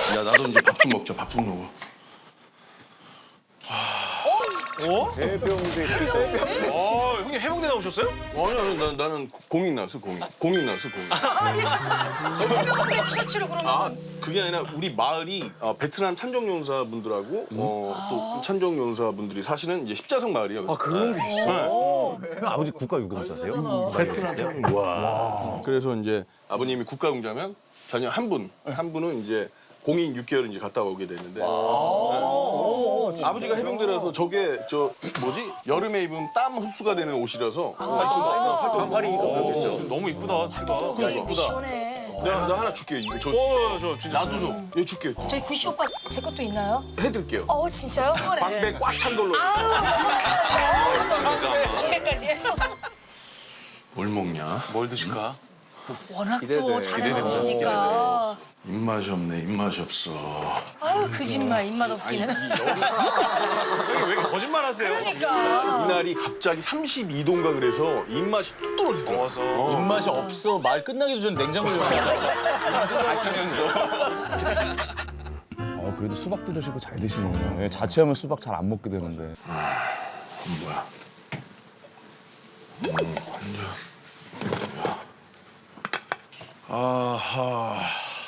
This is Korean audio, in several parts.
야 나도 이제 밥 좀 먹자. 밥 좀 먹어. 형님 해병대 나오셨어요? 아니 나는 공익 나왔어 공익. 공익 나왔어 공익. 아니 잠깐. 저 해병대 티셔츠를 그러면. 아 그게 아니라 우리 마을이 베트남 참정용사 분들하고 또 참정용사 분들이 사시는 이제 십자성 마을이에요. 아 그런 게 있어? 아버지 국가유공자세요? 베트남. 와. 그래서 이제 아버님이 국가공자면 자녀 한 분은 이제 공익 6개월 이제 갔다 오게 됐는데. 아버지가 해병대라서 저게 저 뭐지 여름에 입으면 땀 흡수가 되는 옷이라서 반팔이니까 그렇겠죠. 너무 이쁘다. 입기 시원해. 나 하나 줄게요. 이거 저 진짜 나도 줘. 이거 줄게요. 저희 구씨 오빠 제 것도 있나요? 해드릴게요. 진짜요? 그래. 광배 꽉 찬 걸로. 광배까지. 뭘 먹냐? 뭘 드실까? 워낙 기대돼. 또 잘 먹으시니까. 입맛이 없네. 입맛이 없어. 아유 거짓말 입맛 없기는. 형님 왜 이렇게 거짓말 하세요? 그러니까. 이날이 갑자기 32도인가 그래서 입맛이 뚝 떨어지더라고. 더워서. 입맛이 없어. 말 끝나기도 전 냉장고에 가시면서. 그래도 수박도 드시고 잘 드시네요. 예, 자취하면 수박 잘 안 먹게 되는데. 뭐야? 완전. 아하.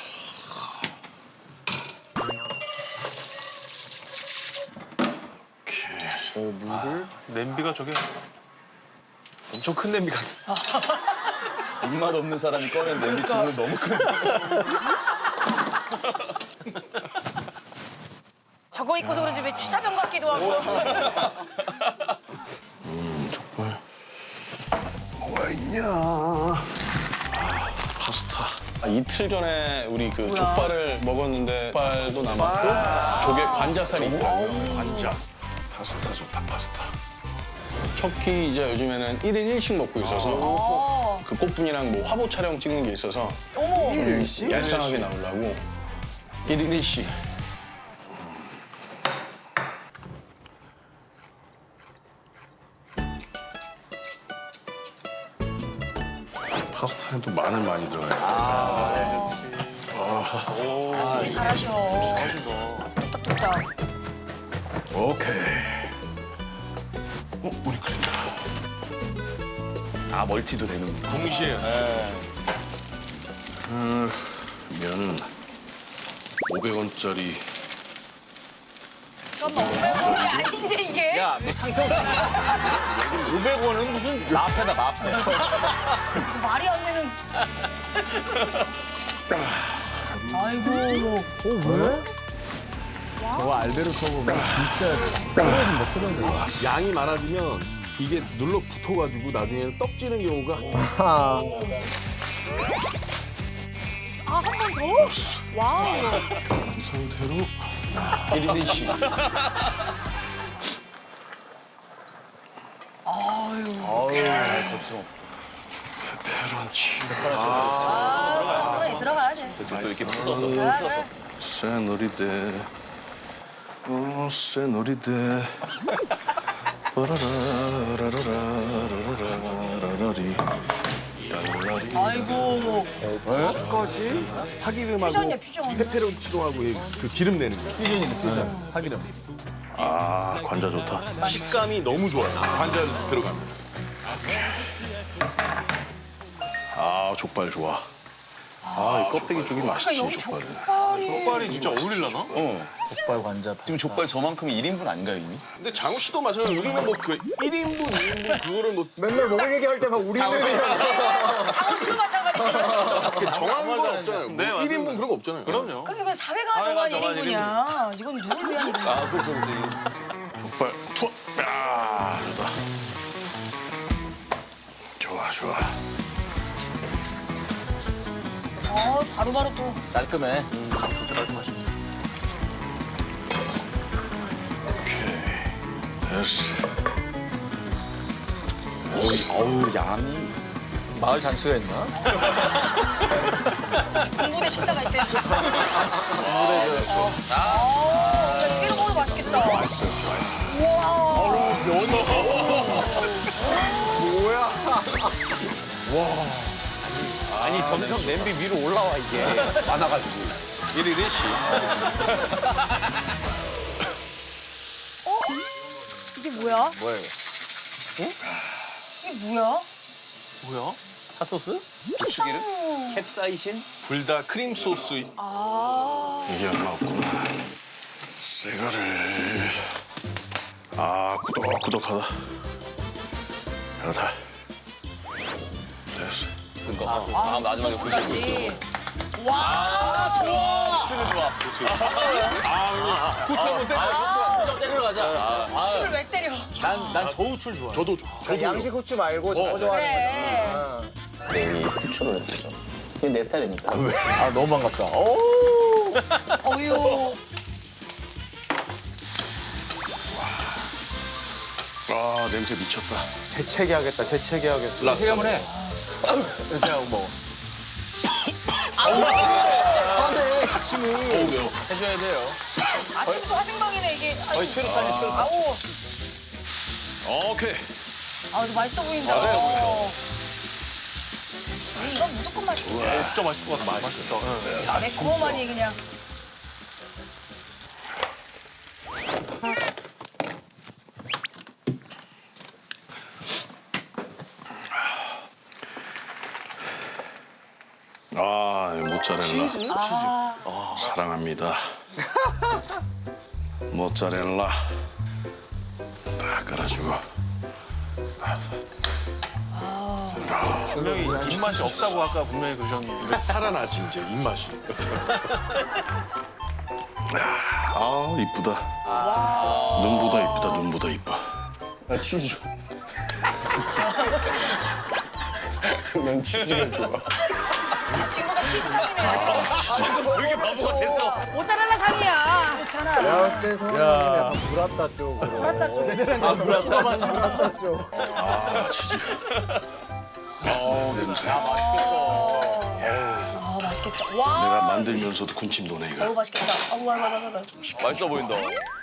물을? 냄비가 저게 엄청 큰 냄비 같은. 입맛 없는 사람이 꺼낸 냄비 치고는 너무 큰. 저거 입고서 그런지 왜 취사병 같기도 하고. 족발. 뭐가 있냐? 파스타. 이틀 전에 우리 그 족발을 먹었는데 족발도 남았고 조개 관자살이 있더라고요. 관자. 파스타 좋다 파스타. 척키 이제 요즘에는 1인 1식 먹고 있어서 그 꽃분이랑 뭐 화보 촬영 찍는 게 있어서 어머. 얄쌍하게 나오려고 1인 1식. 파스타에도 마늘 많이 들어가요. 되게 잘하셔. 뚝딱뚝딱. 오케이. 우리 그린다. 아 멀티도 되는. 동시에. 면 500원짜리. 잠깐만 500원이 아닌데 이게? 야, 너 상표 500원은 무슨 라페다 라페. 말이 안 되는. 아이고. 왜? 저거 알베르 커브가 진짜 쓰러진다, 쓰러져. 양이 많아지면 이게 눌러 붙어가지고 나중에는 떡지는 경우가 아, 한 번 더? 와우. 이 상태로 1인 1식. 거침없. 페페론치. 그래 들어가야지. 그치 또 이렇게 풀어서. 그래. 새노리대. 새노리대. 빠라라라라라라라라라리. 아이고. 까지? 파기름하고 퓨전이야 퓨전. 페페론치노하고 그 기름 내는 거. 퓨전이네, 퓨전. 파기름. 아 관자 좋다. 식감이 너무 좋아요. 관자 들어가면. 아 족발 좋아. 이 껍데기 쪽이 맛있지 그러니까 여기 족발은. 족발이 진짜 어울리려나? 족발 관자. 지금 족발 저만큼 1인분 아닌가요 이미? 근데 장우 씨도 마찬가지로 우리는 뭐 그 1인분, 2인분 그거를 뭐 맨날 먹을 얘기할 때만 우리들이랑. 장호 씨도 마찬가지죠. 정한 건 없잖아요. 뭐 네, 맞습니다. 1인분 그런 거 없잖아요. 그럼요. 그럼 이건 사회가 정한 정한 1인분이야. 이건 누굴 위한 1인분이야? 아 그렇죠 그렇죠. 족발 투어. 야 좋다. 좋아 좋아. 바로바로 또. 깔끔해. 됐어. 어우 양이. 마을 잔치가 있나? 군부대 식사가 있대. 이거 먹어도 맛있겠다. 우와. 아니 점점 냄비 위로 올라와 이게 많아가지고. 1일 1시. 이게 뭐야? 뭐야 이거? 이게 뭐야? 뭐야? 핫소스? 고추기름? 캡사이신? 불닭 크림 소스. 아. 이게 얼마 없구나. 새거를. 아, 구독하다. 여기다. 됐어. 아, 마지막에 고추까지. 와. 고추는 좋아. 고추. 고추 한번 때려. 고추 때리러 가자. 고추를 왜 때려? 난 저우추를 좋아해. 저도. 양식 후추 말고 저거 좋아하는 그래. 여기 후추를 했죠. 이게 내 스타일이니까. 아, 너무 반갑다. 어유. 아, 냄새 미쳤다. 재채기 하겠다. 재채기 하겠어. 세게 한번 해. 이렇게 하고 먹어. 안돼 기침이. 해줘야 돼요. 아침부터 화생방이네 이게. 거의 최루탄이 최루탄. 아우. 오케이. 아, 이거 맛있어 보인다. 이건 무조건 맛있겠다. 진짜 맛있을 것 같아. 맛있겠다. 매콤하니 그냥. 아, 모짜렐라. 치즈? 사랑합니다. 모짜렐라. 딱 깔아주고. 분명히 입맛이 없다고 아까 분명히 그러셨는데. 살아나지, 이제, 입맛이. 아, 이쁘다. 눈보다 이쁘다, 눈보다 이뻐. 나 치즈. 난 치즈가 좋아. 지금보다 치즈 상이네. 그렇게 바보가 됐어. 모짜렐라 상이야. 괜찮아. 내가 봤을 땐 성훈이 형님 약간 브라따 쪽으로. 브라따 쪽. 브라따 쪽. 아, 치즈. 냄새. 아, 맛있겠다. 와. 내가 만들면서도 군침 도네, 이거. 너무 맛있겠다. 아우, 와. 맛있어 보인다.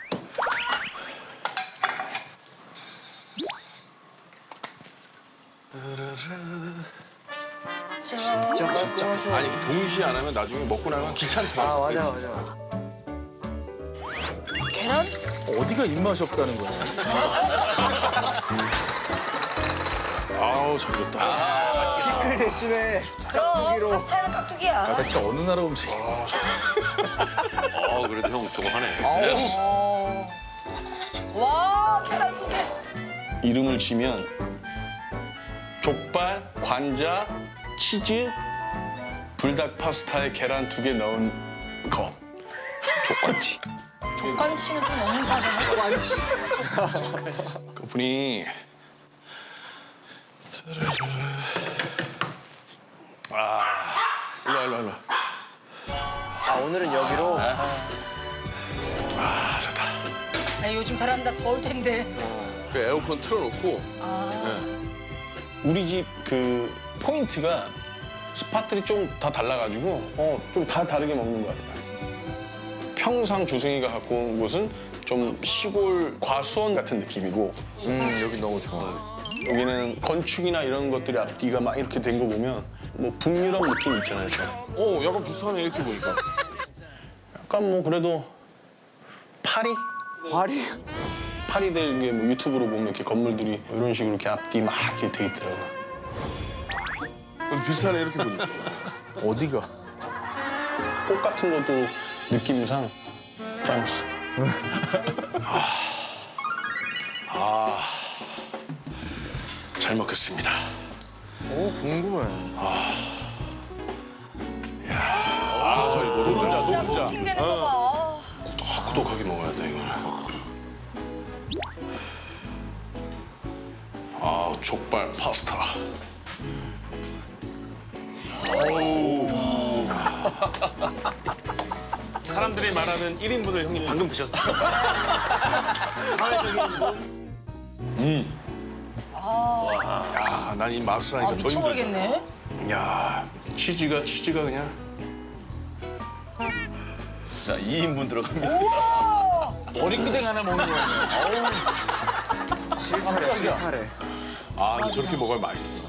진짜 깔끔하셔. 아니, 동시에 안 하면 나중에 먹고 나면 귀찮더라. 아 맞아. 계란? 어디가 입맛이 없다는 거야? 아우, 잘 됐다. 피클 대신에 그럼 깍두기로. 파스타는 깍두기야. 대체 어느 나라 음식? 그래도 형 저거 하네. 어. 와, 계란 두 개. 이름을 지면 족발, 관자, 치즈, 불닭 파스타에 계란 2개 넣은 거. 족발치. 족간치는 좀 너무 사잖아. 그분이 일로. 아 오늘은 여기로. 아, 좋다. 아, 요즘 베란다 더울 텐데. 그 에어컨 틀어놓고 우리 집 그 포인트가 스팟들이 좀 다 달라가지고 좀 다 다르게 먹는 것 같아요. 평상 주승이가 갖고 온 곳은 좀 시골 과수원 같은 느낌이고 여기 너무 좋아. 여기는 건축이나 이런 것들이 앞뒤가 막 이렇게 된 거 보면 뭐 북유럽 느낌 있잖아요. 좀. 약간 비슷하네 이렇게 보니까. 약간 뭐 그래도 파리들 이게 뭐 유튜브로 보면 이렇게 건물들이 이런 식으로 이렇게 앞뒤 막 이렇게 돼 있더라고요. 비슷하네 이렇게 보니까. 어디가? 꽃 같은 것도 느낌상 프랑스. 잘 먹겠습니다. 오 궁금해. 저희 노른자. 진짜 코팅되는 거 봐. 꾸덕하게 먹어야 돼, 이거. 족발 파스타. 사람들이 말하는 1인분을 형님 방금 드셨어요. 야, 난 이 맛을 하니까 더 힘들다. 미쳐버리겠네. 야, 치즈가 그냥. 자, 2인분 들어갑니다. 머리끄댕 하나 먹는 거 아니에요? 실타래. 근데 저렇게 먹어야 맛있어.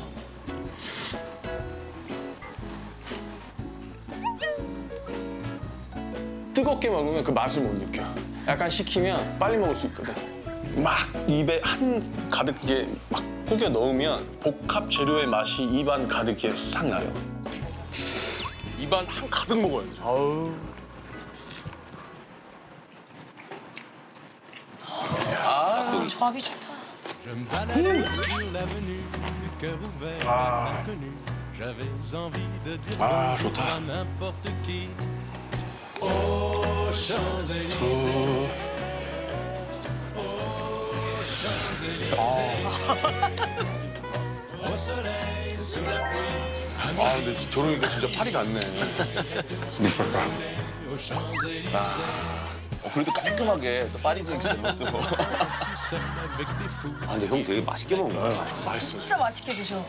뜨겁게 먹으면 그 맛을 못 느껴. 약간 식히면 빨리 먹을 수 있거든. 막 입에 한 가득게 막 구겨 넣으면 복합 재료의 맛이 입안 가득게 싹 나요. 입안 한 가득 먹어야지. 조합이 좋다. Je me baladais sur l'avenue, le cœur ouvert à l'inconnu. J'avais envie de dire bonjour à n'importe qui. Aux Champs-Élysées. Aux Champs-Élysées. Au soleil, sous la pluie. 아, 근데 저러니까 진짜 파리 같네. Aux Champs-Élysées. 그래도 깔끔하게 또 파리 쟁취는 것도. Sous-sol avec des fous. 아, 근데 형 되게 맛있게 먹는다. 진짜 맛있게 드셔.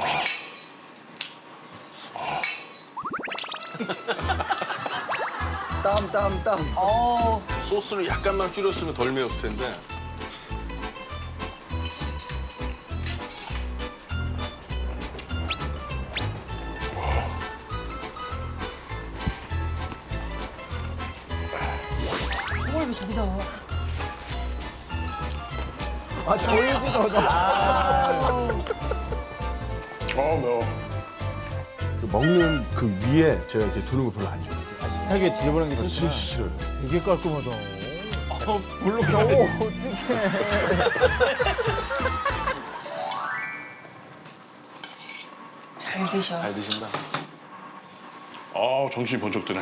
땀. 어, 소스를 약간만 줄였으면 덜 매웠을 텐데. 이걸 왜 저기다 넣어? 아, 조이지도 너. 매워. 먹는 그 위에 제가 이렇게 두는 거 별로 안 좋아해요. 식탁 위에 지저분한 게 진짜 싫구나. 싫어요. 되게 깔끔하다. 물론 오, 어떡해. 잘 드셔. 잘 드신다. 정신이 번쩍 드네. 야,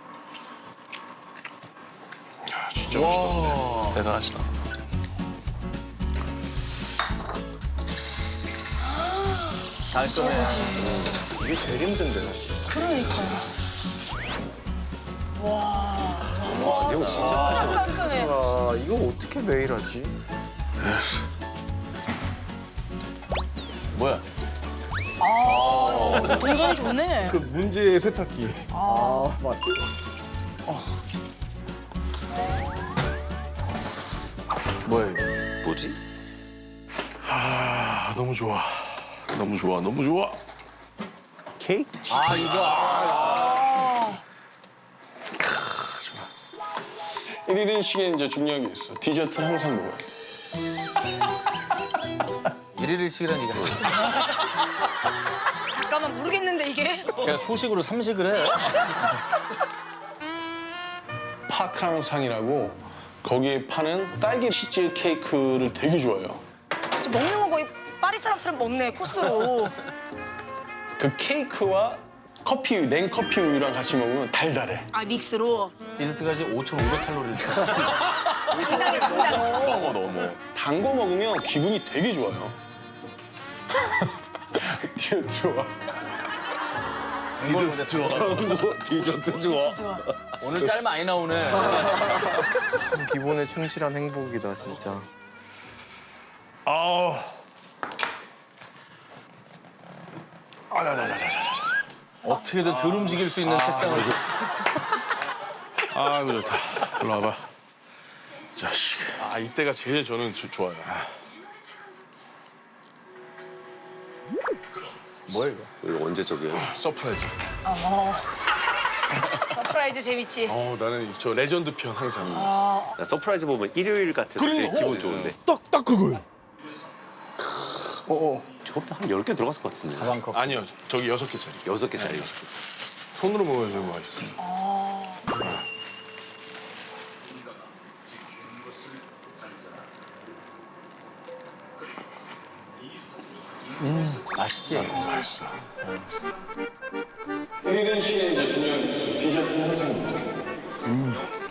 진짜 맛있다. 대단하시다. 달콤해. 이게 제일 힘든데. 그러니까. 와, 진짜 깔끔해. 아, 이거 어떻게 매일 하지? 뭐야? 아, 동선이 좋네. 그 문제의 세탁기. 아, 맞지? 뭐야, 이거? 뭐지? 아, 너무 좋아. 너무 좋아. 너무 좋아. 케이크? 아, 이거. 1일식에 이제 중요한 게 있어. 디저트는 항상 먹어야 돼. 일일일식이란 얘기 하지. 잠깐만 모르겠는데 이게. 그냥 소식으로 삼식을 해. 파크랑상이라고 거기에 파는 딸기 치즈 케이크를 되게 좋아해요. 먹는 거 거의 파리 사람처럼 먹네 코스로. 그 케이크와 커피 우유, 냉커피 우유랑 같이 먹으면 달달해. 아 믹스로. 디저트가 지금 5,500칼로리를 당당해 당당. 너무. 단 거 먹으면 기분이 되게 좋아요. 디저트 좋아. 디저트 좋아. 오늘 짤 많이 나오네. 기본에 충실한 행복이다, 진짜. 아우. 어떻게든 덜 움직일 수 있는 책상을. 아이고 좋다. 일로 와봐. 자식. 아, 이때가 제일 저는 좋아요. 뭐야, 이거 언제 저기요? 서프라이즈. 서프라이즈 재밌지. 나는 저 레전드 편 항상. 나 서프라이즈 보면 일요일 같아서 되게 기분 좋은데. 딱 그거예요. 저것도 한 10개 들어갔을 것 같은데. 가방컵. 아니요, 저기 6개짜리. 6개짜리. 손으로 먹어야지 맛있어. 맛있지? 맛있어. 1일식에 이제 중요한 게 있어. 디저트는 항상 먹어야 돼.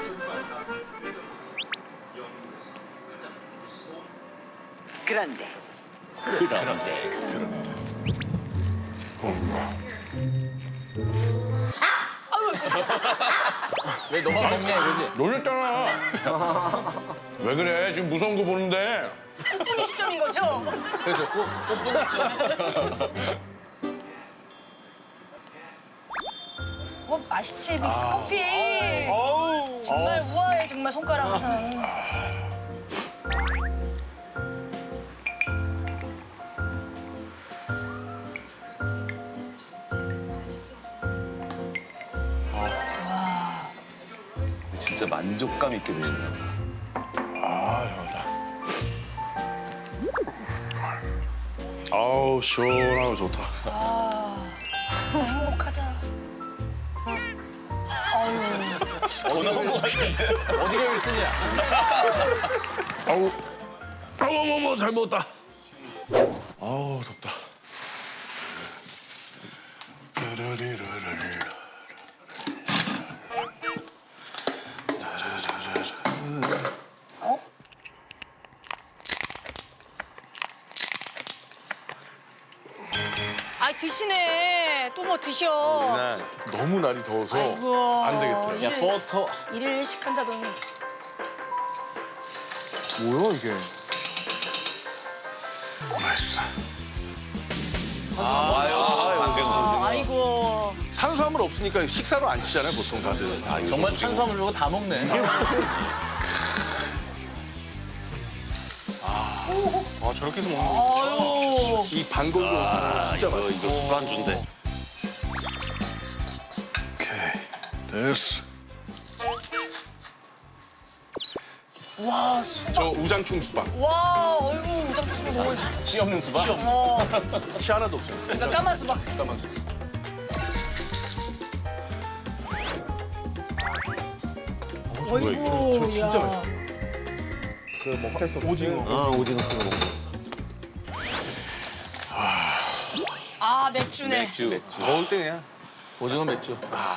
왜 너만 먹냐 이거지? 놀랬잖아. 왜 그래? 지금 무서운 거 보는데. 꽃분이 시점인 거죠? 그래서 꽃분이 맛있지 믹스 커피. 정말 우아해 정말 손가락 항상. 진짜 만족감 있게 드시네요. 아우 시원하고 좋다. 진짜 행복하다. 나온 것 같은데. 어디가 1순위야? 아우 어머머머 잘 먹었다. 아우 덥다. 아 드시네. 또 뭐 드셔. 네, 너무 날이 더워서 우와. 안 되겠어요. 야, 버터. 일일 일식한다더니. 뭐야 이게? 맛있어. 아이고. 탄수화물 없으니까 식사로 안 치잖아요 보통 다들. 정말 탄수화물 이거 다 먹네. 아 저렇게 해서 먹는 거. 이 반고기 진짜 맛있어. 이거 술안주인데. 오케이 됐어. 와 수박. 저 우장충 수박. 와 어이구 우장 수박 너무 씨 없는 수박? 씨 하나도 없어요. 그러니까 까만 수박. 잠깐만. 어이구 진짜 맛있어. 그 먹태 오징어. 오징어 찍어 먹고. 아 맥주네. 맥주. 더울 때냐? 오징어 맥주.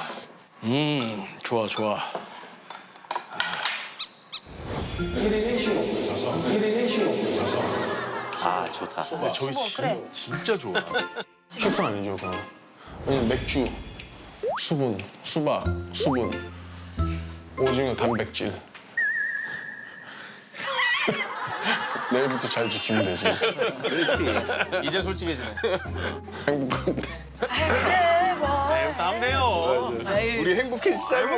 좋아 좋아. 아 좋다. 저희 그래. 진짜 좋아. 식수 아니죠 그거. 왜냐면 맥주, 수분, 수박, 수분, 오징어 단백질. 내일부터 잘 지키면 되지. 그렇지. 이제 솔직해지네. 행복한데. 아유 그래 뭐. 다음 돼요. 아유. 우리 행복해지자고.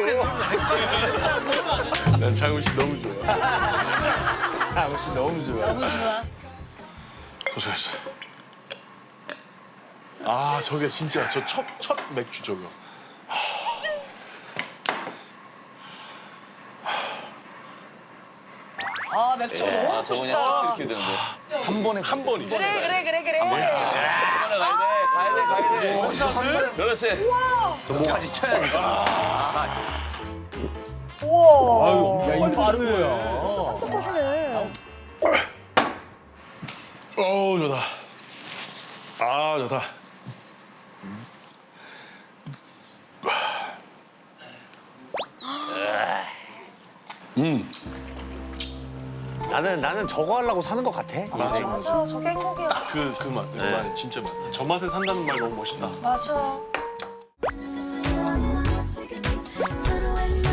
난 장훈 씨 너무 좋아. 장훈 씨 너무 좋아. 너무 좋아. 고생했어. 아 저게 진짜 저 첫 맥주 저거. 아 맥주 너무 먹고 저 그냥 싶다. 쭉 이렇게 되는데. 한 번에 한 번이. 그래. 가야 돼. 그렇지. 목까지 쳐야지. 우와. 야, 이거 빠른 거야. 조금씩네. 어우 좋다. 아 좋다. 나는 저거 하려고 사는 것 같아. 인생. 맞아 저게 행복이야. 그 맛, 그 맛, 진짜 맛. 저 맛에 산다는 말 너무 멋있다. 맞아. 지금 이 서로의